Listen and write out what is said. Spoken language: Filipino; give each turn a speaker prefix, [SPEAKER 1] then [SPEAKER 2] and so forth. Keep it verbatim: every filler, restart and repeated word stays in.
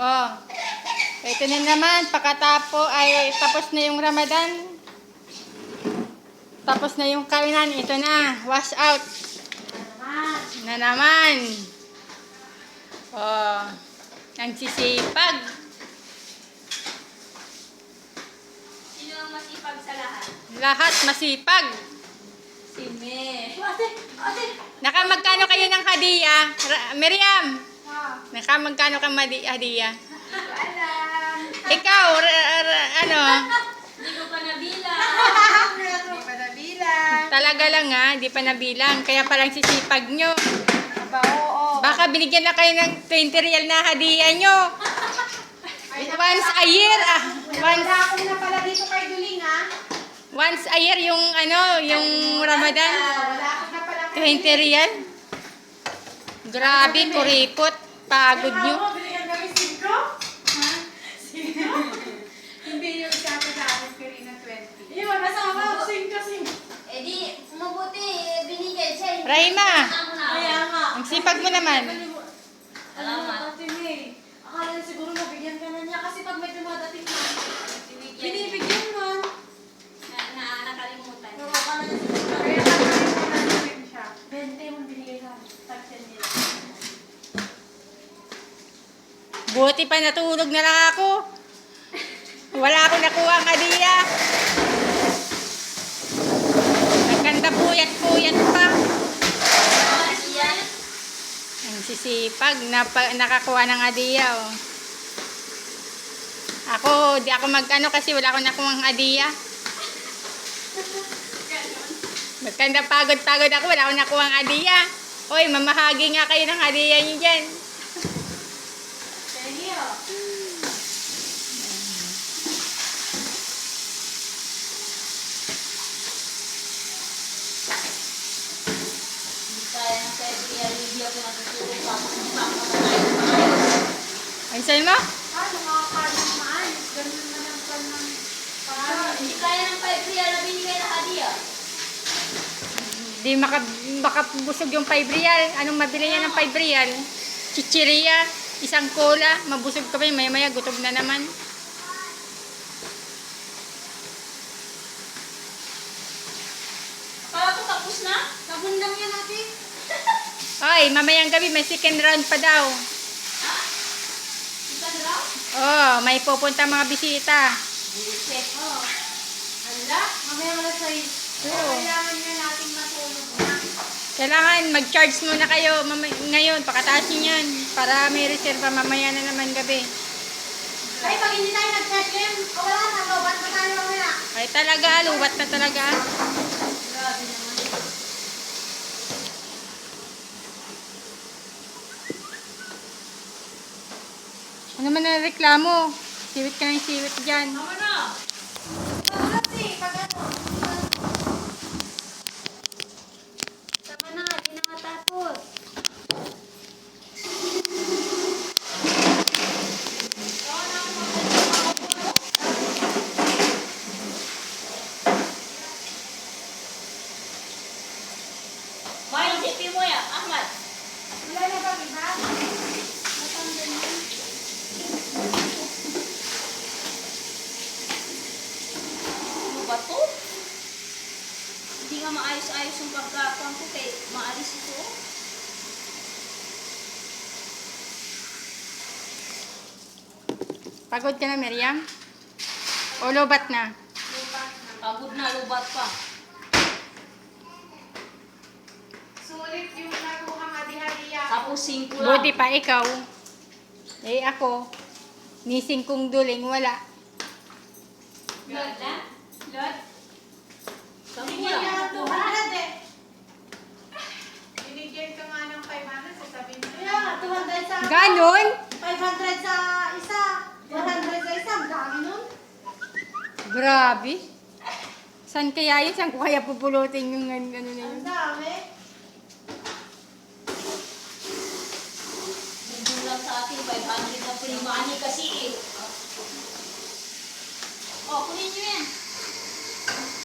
[SPEAKER 1] Oh. Ito na naman, pakatapo ay tapos na yung Ramadan. Tapos na yung kainan, ito na, wash out. Na naman. Oh. Ang sisipag.
[SPEAKER 2] Sino ang masipag sa lahat?
[SPEAKER 1] Lahat masipag.
[SPEAKER 2] Si Me. Ate, ate.
[SPEAKER 1] Nakamagkano kayo ng hadiah? Ra- Miriam,
[SPEAKER 2] Ah,
[SPEAKER 1] nakamagkano ka madi- hadiah?
[SPEAKER 2] hindi ko alam.
[SPEAKER 1] Ikaw, ra- ra- ano?
[SPEAKER 2] Hindi ko pa nabilang.
[SPEAKER 3] Hindi pa nabilang.
[SPEAKER 1] Talaga lang ha, di pa nabilang. Kaya palang sisipag nyo.
[SPEAKER 3] Aba, oo.
[SPEAKER 1] Baka binigyan na kayo ng twenty real na hadiah nyo. Once a year, ah. Once,
[SPEAKER 3] Wala akong na pala dito kay Duling, ha?
[SPEAKER 1] once a year yung ano, yung Ramadan.
[SPEAKER 3] Wala akong na pala kay
[SPEAKER 1] twenty real. Grabe, kuripot. Pagod nyo.
[SPEAKER 3] Ako, binigyan kami singko? Ha? Sino? Hindi yung isa ko sa akin, Karina, twenty. Yun, nasama ako, singko, singko.
[SPEAKER 2] Eh di, mabuti. eh, Binigay siya.
[SPEAKER 1] Rahima,
[SPEAKER 2] Ako na.
[SPEAKER 3] Kaya nga.
[SPEAKER 1] ang sipag mo naman.
[SPEAKER 2] Salamat.
[SPEAKER 3] Ate May, akala na siguro nabigyan ka na niya kasi pag may dumadating na,
[SPEAKER 2] Binigyan.
[SPEAKER 3] binibigyan man.
[SPEAKER 2] Na, na, nakalimutan.
[SPEAKER 3] Oo, akala na siguro. Kaya nakalimutan namin siya. twenty mo binigay sa taxen nila.
[SPEAKER 1] Buti pa natulog na lang ako. Wala akong nakuha ang hadiah. Nagkanda puyat-puyat pa.
[SPEAKER 2] Ah, yan.
[SPEAKER 1] Ang sisipag, napa, nakakuha ng hadiah. Oh. Ako, di ako mag-ano kasi wala akong nakuha ang hadiah. Magkanda pagod-pagod ako, wala akong nakuha ang hadiah. Hoy, mamahagi nga kayo ng hadiah niyo dyan.
[SPEAKER 3] Thank you.
[SPEAKER 2] Hindi kaya ng February. Hindi ako natutulog pa. Papakatayin pa kayo.
[SPEAKER 1] Ay, sa'yo mo?
[SPEAKER 3] Ah, nakakain na maayos. Ganun na lang pa ng
[SPEAKER 2] Ah, Hindi kaya ng February na binigay na hadiah.
[SPEAKER 1] Di maka, makabusog yung five real. Anong mabili niya ng five real? Chichiria, isang cola, mabusog ka pa yun, maya-maya gutom na naman.
[SPEAKER 2] Akala ko tapos na.
[SPEAKER 3] Sabon lang yan natin.
[SPEAKER 1] Ay, mamayang gabi may second round pa daw.
[SPEAKER 2] Ha? Isa na lang?
[SPEAKER 1] Oh, may pupunta mga bisita.
[SPEAKER 2] Buset.
[SPEAKER 3] Oo. Hala, mamaya alas sais.
[SPEAKER 1] Oo.
[SPEAKER 3] Kailangan nga natin matulog na.
[SPEAKER 1] Kailangan mag-charge muna kayo mamay- ngayon, pakataas nyo yan. Para may reserva mamaya na naman gabi.
[SPEAKER 3] Ay, pag hindi tayo nag-chat game, o wala na, lobat na tayo mamaya.
[SPEAKER 1] Ay talaga, luwat na talaga.
[SPEAKER 2] Grabe naman.
[SPEAKER 1] Ano man ang reklamo? Siwit ka ng siwit dyan.
[SPEAKER 2] Tama na.
[SPEAKER 3] Pag eh, pag ano.
[SPEAKER 2] Tama na. Di na matapos. May isipin mo yan, Ahmad.
[SPEAKER 3] Wala na ba, iba?
[SPEAKER 2] Matanda na. Ano ba to? Hindi nga maayos-ayos yung pagkakuan ko kay maalis ito.
[SPEAKER 1] Pagod ka na, Miriam? O lobat na?
[SPEAKER 2] Pagod na, lubat pa.
[SPEAKER 3] Sulit yung nakuha hadi-hadiya.
[SPEAKER 2] Tapos singko lang.
[SPEAKER 1] Buti pa ikaw. Eh ako, nising kong duling, wala.
[SPEAKER 2] Lord na? Lord? Sabi ko
[SPEAKER 3] Binigyan
[SPEAKER 2] lang.
[SPEAKER 3] ka ng two hundred eh. Binigyan ka nga ng five hundred, sasabihin mo. Kaya nga, two hundred sa
[SPEAKER 1] Ganon?
[SPEAKER 3] five hundred sa isa. one hundred sa isa. Ang dami nun.
[SPEAKER 1] Grabe. Saan kaya yun? Saan ko kaya pupulutin yung ano, ano na yun?
[SPEAKER 3] Ang dami.
[SPEAKER 2] Bundong lang sa akin, five hundred na free money kasi eh. Oh, kunin nyo yan.